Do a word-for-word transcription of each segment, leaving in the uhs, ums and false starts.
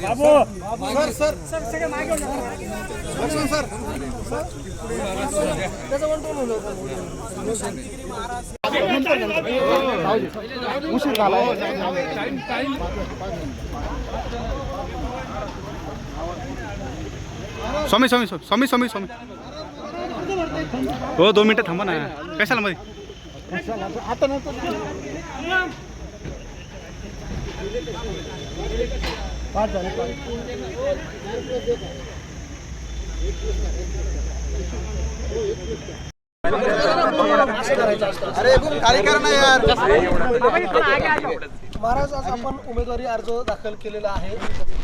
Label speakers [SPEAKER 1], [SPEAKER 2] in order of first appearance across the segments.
[SPEAKER 1] Sir sir सगळे मागे Laxman sir त्याचं पण टोन होतं उशीर झाला
[SPEAKER 2] स्वामी स्वामी स्वामी स्वामी स्वामी हो दोन मिनटं थांबा ना कशाला मध्ये
[SPEAKER 1] आता नंतर पाच झाले
[SPEAKER 3] अरे खाली कर ना यार.
[SPEAKER 1] महाराज आज आपण उमेदवारी अर्ज दाखल केलेला आहे.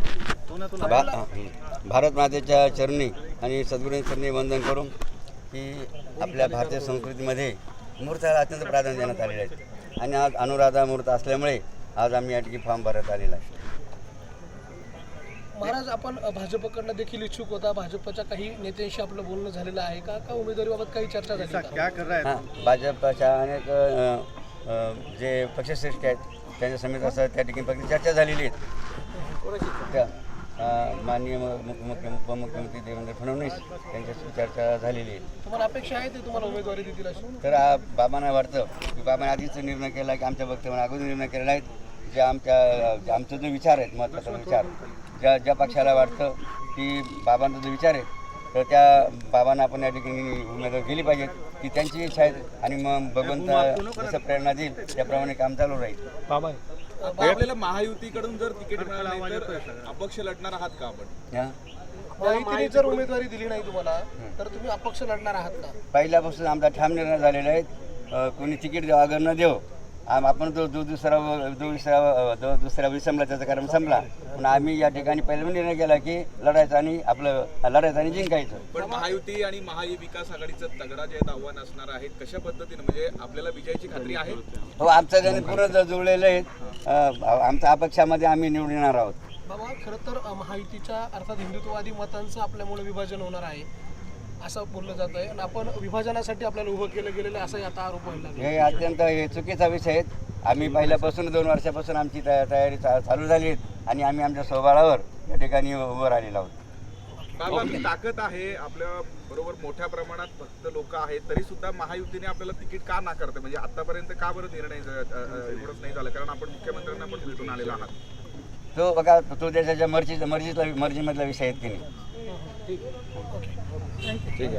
[SPEAKER 3] भारत मातेच्या चरणी आणि सद्गुरूंच्या चरणी वंदन करून की आपल्या भारतीय संस्कृतीमध्ये मूर्ताला अत्यंत प्राधान्य देण्यात आलेले आहे आणि आज अनुराधा मूर्त असल्यामुळे आज आम्ही या ठिकाणी फॉर्म भरत आलेला आहे.
[SPEAKER 1] महाराज आपण भाजपकडनं देखील इच्छुक होता. भाजपच्या काही नेत्यांशी आपलं बोलणं झालेलं आहे का का उमेदवारीबाबत काही चर्चा झाली का?
[SPEAKER 3] हां, भाजपच्या अनेक अ, अ, जे पक्षश्रेष्ठी आहेत त्यांच्या समेत असं त्या ठिकाणी फक्त चर्चा झालेली आहे. त्या अ, माननीय मुख्यमंत्री उपमुख्यमंत्री देवेंद्र फडणवीस यांच्याशी चर्चा झालेली आहे.
[SPEAKER 1] तुम्हाला अपेक्षा आहे ते तुम्हाला उमेदवारी देतील अशी?
[SPEAKER 3] तर आ- बाबांना वाटतं की बाबांनी आधीच निर्णय केला की आमच्या वक्तव्याने अगोदर निर्णय केलेला आहे जे आमच्या आमचा जो विचार आहेत महत्त्वाचा विचार ज्या ज्या पक्षाला वाटतं की बाबांचा जो विचार आहे तर त्या बाबांना आपण या ठिकाणी उमेदवार केली पाहिजेत की त्यांची इच्छा आहे आणि मग भगवंत जसं प्रेरणा देईल त्याप्रमाणे काम चालू राहील.
[SPEAKER 2] बाबा
[SPEAKER 4] आपल्याला महायुतीकडून जर तिकीट मिळालं नाही तर अपक्ष लढणार आहात का आपण?
[SPEAKER 3] हां,
[SPEAKER 1] महायुतीने जर उमेदवारी दिली नाही तुम्हाला तर तुम्ही अपक्ष लढणार आहात का?
[SPEAKER 3] पहिल्यापासून आमचा ठाम निर्णय झालेला आहे अ, कोणी तिकीट देऊ अगर न देऊ आम आपण जो जो दुसरा जो दुसरा जो दुसरा विसंबला त्याचा कारण संपला पण आम्ही या ठिकाणी पहिला निर्णय केला की लढायचं आणि आपलं लढायचं आणि जिंकायचं.
[SPEAKER 4] पण महायुती आणि महाविकास आघाडीचं तगडा जे आव्हान असणार आहे कशा पद्धतीने म्हणजे आपल्याला विजयाची खात्री आहे?
[SPEAKER 3] हो, आमचं त्याने पूर्ण ज- जुळलेलं आहे. अ, आमच्या अपक्षामध्ये आम्ही निवडून येणार आहोत.
[SPEAKER 1] बाबा खरं तर अ, महायुतीच्या अर्थात हिंदुत्ववादी मतांचं आपल्यामुळे विभाजन होणार आहे असं बोललं जात आहे आणि आपण विभाजनासाठी आपल्याला उभं केलं गेलेलं आहे असाही आता आरोप व्हायला लागला.
[SPEAKER 3] हे अत्यंत हे चुकीचा विषय आहे. आम्ही पहिल्यापासून दोन वर्षापासून आमची तया तयारी चा- चालू झाली आहे आणि आम्ही आमच्या स्वबळावर या ठिकाणी उभं राहिलेलो आहोत.
[SPEAKER 4] बाबा ही ताकद आहे आपल्या बरोबर मोठ्या प्रमाणात भक्त लोक आहेत तरी सुद्धा महायुतीने आपल्याला तिकीट का नाकारते म्हणजे आतापर्यंत का बरं निर्णय ज- अ, अ, एवढंच नाही झालं कारण आपण मुख्यमंत्र्यांना पण भेटून आलेला आहात.
[SPEAKER 3] तो बघा तो देशाच्या मर्जी मर्जीतला मर्जीमधला विषय आहेत की नाही.
[SPEAKER 1] ठीक आहे.